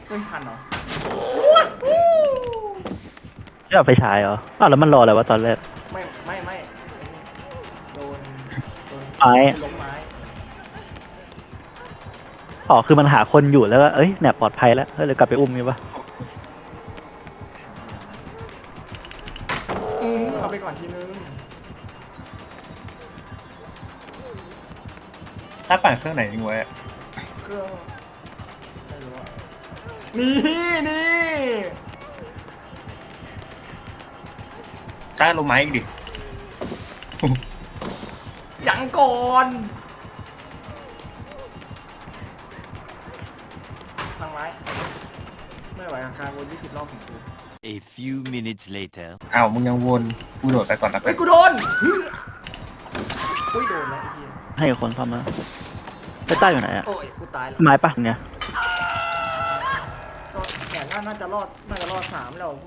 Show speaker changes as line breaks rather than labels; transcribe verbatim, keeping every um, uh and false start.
เฮ้ยทันเหรอ
ไม่เอาไปฉายเหรออ้าวแล้วมันรออะไรวะตอนแรก
ไม่ไม่ไม่ไอ้นี่โดนโดน
ไม้
ล้มไม้
อ๋อคือมันหาคนอยู่แล้วก็เอ้ยเนี่ยปลอดภัยแล้วเฮ้ยเลยกลับไปอุ้มงี้ปะ
อืมเอาไปก่อนทีนึง
ถ้าปั่นเครื่องไหนทิ้งไว้อะ
เครื่องไม่รู้อะนี่นี่
ต้าลงไม้อีกดิ
ยังก่อนทางไม้ไม่ไหวกับการวนยี่สิบรอบของกู
A few minutes later.
อ้าวมึงยังวนกูโดดไปก่อนละกั
เฮ้
น
ยกูโดนเฮ้ยอุ้ยโดนแล้วไอ้เหี้ย
ให้คนซ่อมมาไปใต้อยู่ไหนอะ
โอ้ยกูตายแล้ว
ไม้ปะเนี่ย
ก็แขนน่าน่าจะรอดน่าจะรอดสามแล้ว